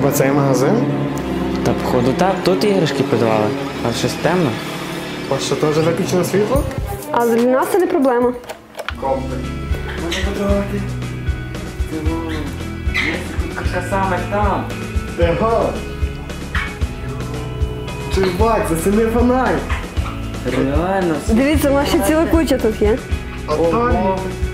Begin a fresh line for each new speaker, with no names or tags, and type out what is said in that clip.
Хіба цей магазин?
Та походу так, тут іграшки продавали, а щось темно.
У вас що, теж виключено світло?
Але для нас це не проблема.
Комплекс.
Може подавати? Тут така саме там.
Его! Чувак, заціни фонарь!
Реально.
Дивіться, у нас ще ціла куча тут є.
А там